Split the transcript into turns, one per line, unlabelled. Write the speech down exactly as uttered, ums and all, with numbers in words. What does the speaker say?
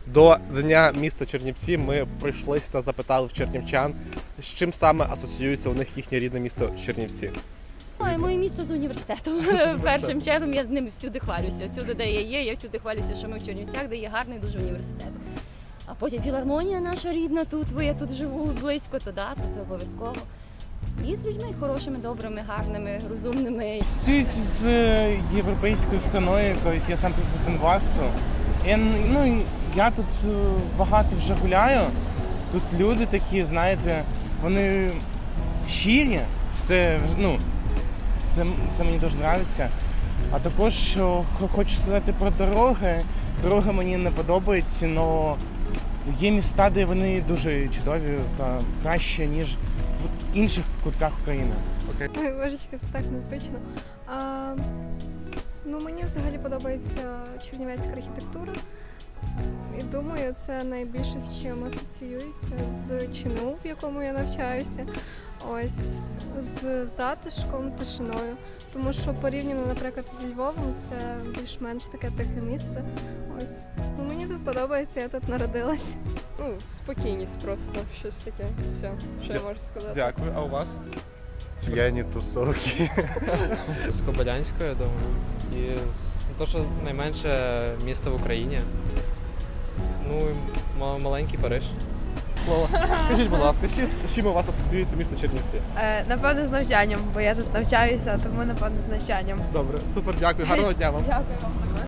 До Дня міста Чернівці ми прийшлися та запитали в чернівчан, з чим саме асоціюється у них їхнє рідне місто Чернівці.
Ой, моє місто з університетом. Першим чином я з ними всюди хвалюся. Всюди, де я є, я всюди хвалюся, що ми в Чернівцях, де є гарний дуже університет. А потім філармонія наша рідна тут, бо я тут живу близько, то да, то це обов'язково. І з людьми хорошими, добрими, гарними, розумними.
Асоціюють з європейською страною якоюсь, я сам з Донбасу. Я, ну, я тут багато вже гуляю, тут люди такі, знаєте, вони щирі, це, ну, це, це мені дуже подобається. А також що хочу сказати про дороги. Дороги мені не подобаються, але є міста, де вони дуже чудові та краще, ніж в інших кутках України.
Окей.
Ой, божечки, це так незвично. А, ну, мені взагалі подобається чернівецька архітектура. І думаю, це найбільше з чим асоціюється з ЧНУ, в якому я навчаюся. Ось, з затишком, тишиною. Тому що порівняно, наприклад, зі Львовом, це більш-менш таке тихе місце. Ось. Ну, мені тут подобається, я тут народилась.
Ну, спокійність просто, щось таке. Все, що я можу сказати.
Дякую, а у вас?
П'яні тусовки.
З Кобилянського, я думаю. І з то, що найменше місто в Україні. Ну, і ма- маленький Париж.
Слово. Скажіть, будь ласка, з чим у вас асоціюється місто Чернівці?
Е, напевно, з навчанням, бо я тут навчаюся, тому напевно з навчанням.
Добре, супер, дякую, гарного дня вам.
Дякую вам.